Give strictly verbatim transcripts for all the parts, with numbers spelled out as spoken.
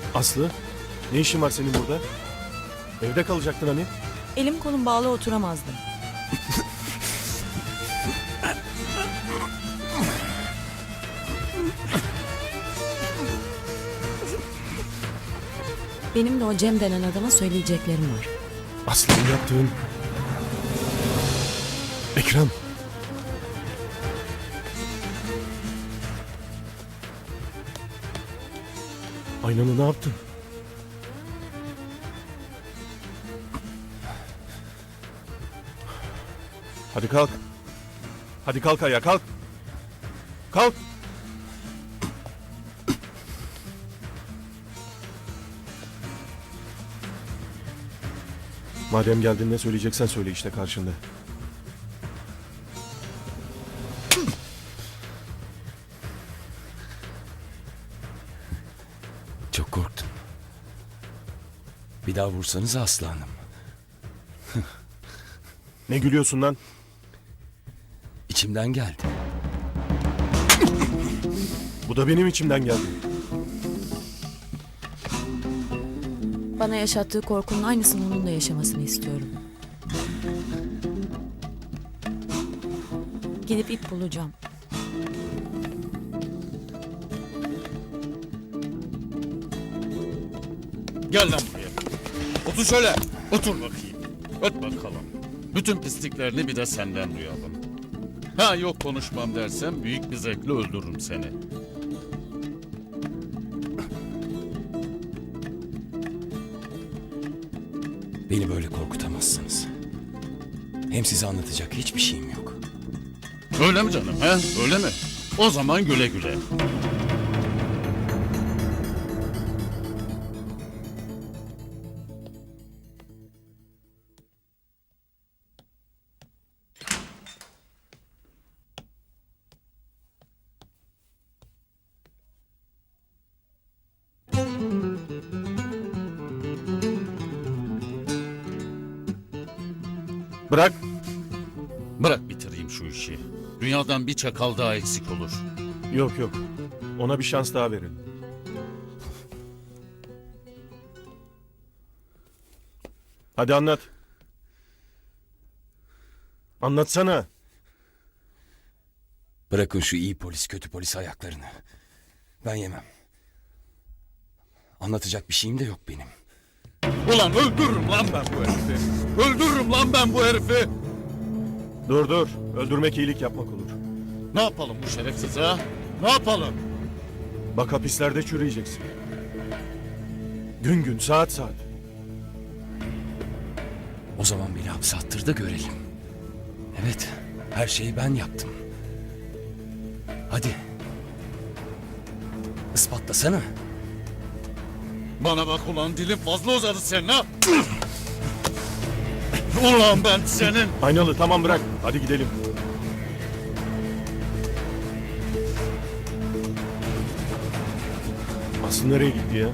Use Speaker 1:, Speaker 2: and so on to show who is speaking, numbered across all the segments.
Speaker 1: Aslı, ne işin var senin burada? Evde kalacaktın hani?
Speaker 2: Elim kolum bağlı oturamazdım. Benim de o Cem denen adama söyleyeceklerim var.
Speaker 1: Aslı'nın yaptığın... Ekrem. Aynanı ne yaptın? Hadi kalk. Hadi kalk ayağa, kalk. Kalk. Madem geldin, ne söyleyeceksen söyle, işte karşında.
Speaker 3: Çok korktum. Bir daha vursanız Aslı Hanım.
Speaker 1: Ne gülüyorsun lan?
Speaker 3: İçimden geldi.
Speaker 1: Bu da benim içimden geldi.
Speaker 2: Bana yaşattığı korkunun aynısını onun da yaşamasını istiyorum. Gidip ip bulacağım.
Speaker 4: Gel lan buraya. Otur şöyle. Otur bakayım. Öt bakalım. Bütün pisliklerini bir de senden duyalım. Ha yok konuşmam dersen büyük bir zevkle öldürürüm seni.
Speaker 3: Beni böyle korkutamazsınız. Hem size anlatacak hiçbir şeyim yok.
Speaker 4: Öyle mi canım he? Öyle mi? O zaman güle güle.
Speaker 1: Bırak.
Speaker 4: Bırak bitireyim şu işi. Dünyadan bir çakal daha eksik olur.
Speaker 1: Yok yok. Ona bir şans daha verin. Hadi anlat. Anlatsana.
Speaker 3: Bırakın şu iyi polis kötü polis ayaklarını. Ben yemem. Anlatacak bir şeyim de yok benim.
Speaker 4: Ulan öldürürüm lan ben bu herifi. Öldürürüm lan ben bu herifi.
Speaker 1: Dur dur. Öldürmek iyilik yapmak olur.
Speaker 4: Ne yapalım bu şerefsize ha? Ne yapalım?
Speaker 1: Bak hapislerde çürüyeceksin. Gün gün, saat saat.
Speaker 3: O zaman beni hapse attır da görelim. Evet, her şeyi ben yaptım. Hadi. Ispatlasana.
Speaker 4: Bana bak ulan dilin fazla uzadı senin ha. Ulan ben senin.
Speaker 1: Aynalı, tamam bırak. Hadi gidelim. Aslı nereye gitti ya?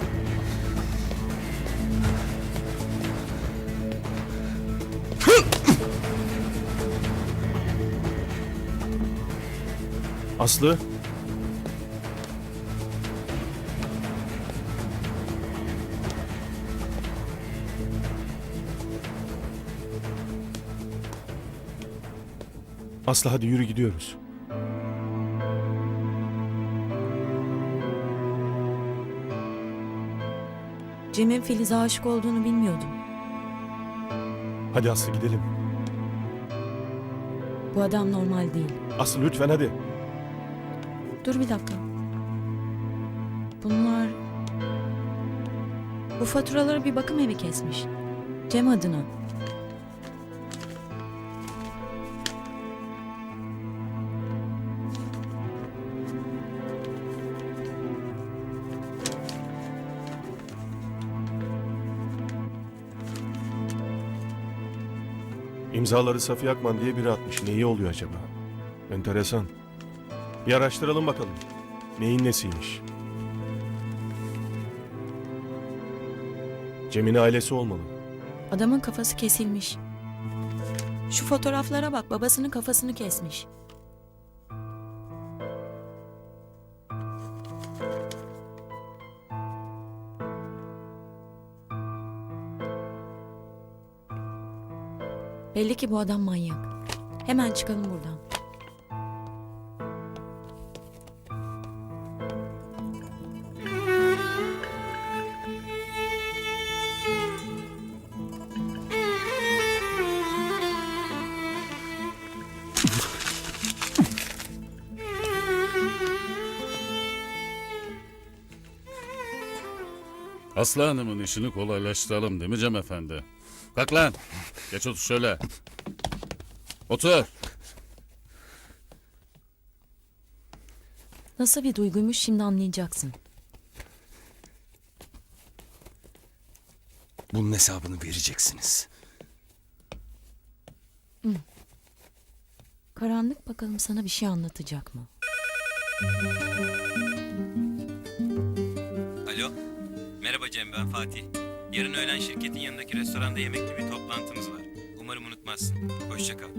Speaker 1: Aslı? Aslı hadi yürü, gidiyoruz.
Speaker 2: Cem'in Filiz'e aşık olduğunu bilmiyordum.
Speaker 1: Hadi Aslı gidelim.
Speaker 2: Bu adam normal değil.
Speaker 1: Aslı lütfen hadi.
Speaker 2: Dur bir dakika. Bunlar... Bu faturaları bir bakım evi kesmiş. Cem adına.
Speaker 1: İmzaları Safiye Akman diye biri atmış. Neyi oluyor acaba? Enteresan. Bir araştıralım bakalım. Neyin nesiymiş? Cem'in ailesi olmalı.
Speaker 2: Adamın kafası kesilmiş. Şu fotoğraflara bak, babasının kafasını kesmiş. Belli ki bu adam manyak. Hemen çıkalım buradan.
Speaker 4: Aslı Hanım'ın işini kolaylaştıralım değil mi Cem Efendi? Kalk lan. Geç otur şöyle. Otur.
Speaker 2: Nasıl bir duyguymuş şimdi anlayacaksın.
Speaker 3: Bunun hesabını vereceksiniz.
Speaker 2: Karanlık bakalım sana bir şey anlatacak mı?
Speaker 5: Alo. Merhaba Cem, ben Fatih. Yarın öğlen şirketin yanındaki restoranda yemekli bir toplantımız var. Umarım unutmazsın. Hoşça kal.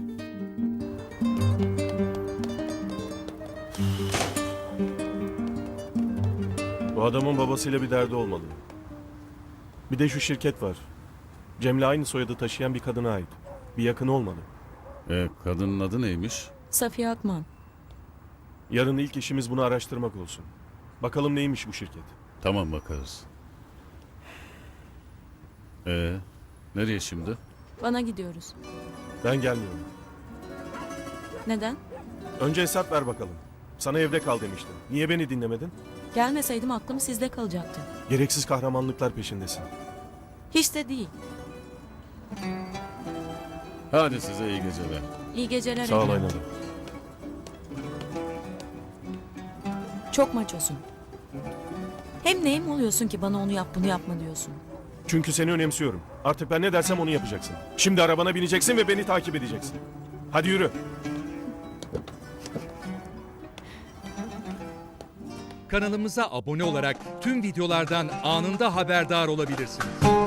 Speaker 1: Bu adamın babasıyla bir derdi olmalı. Bir de şu şirket var. Cem'le aynı soyadı taşıyan bir kadına ait. Bir yakını olmalı.
Speaker 4: E, kadının adı neymiş?
Speaker 2: Safiye Akman.
Speaker 1: Yarın ilk işimiz bunu araştırmak olsun. Bakalım neymiş bu şirket.
Speaker 4: Tamam bakarız. E, nereye şimdi?
Speaker 2: Bana gidiyoruz.
Speaker 1: Ben gelmiyorum.
Speaker 2: Neden?
Speaker 1: Önce hesap ver bakalım. Sana evde kal demiştim. Niye beni dinlemedin?
Speaker 2: Gelmeseydim aklım sizde kalacaktı.
Speaker 1: Gereksiz kahramanlıklar peşindesin.
Speaker 2: Hiç de değil.
Speaker 4: Hadi size iyi geceler.
Speaker 2: İyi geceler
Speaker 1: Sağ ol
Speaker 2: Ekrem.
Speaker 1: Aynalı.
Speaker 2: Çok maçosun. Hem neyim oluyorsun ki bana onu yap bunu yapma diyorsun.
Speaker 1: Çünkü seni önemsiyorum. Artık ben ne dersem onu yapacaksın. Şimdi arabana bineceksin ve beni takip edeceksin. Hadi yürü.
Speaker 6: Kanalımıza abone olarak tüm videolardan anında haberdar olabilirsiniz.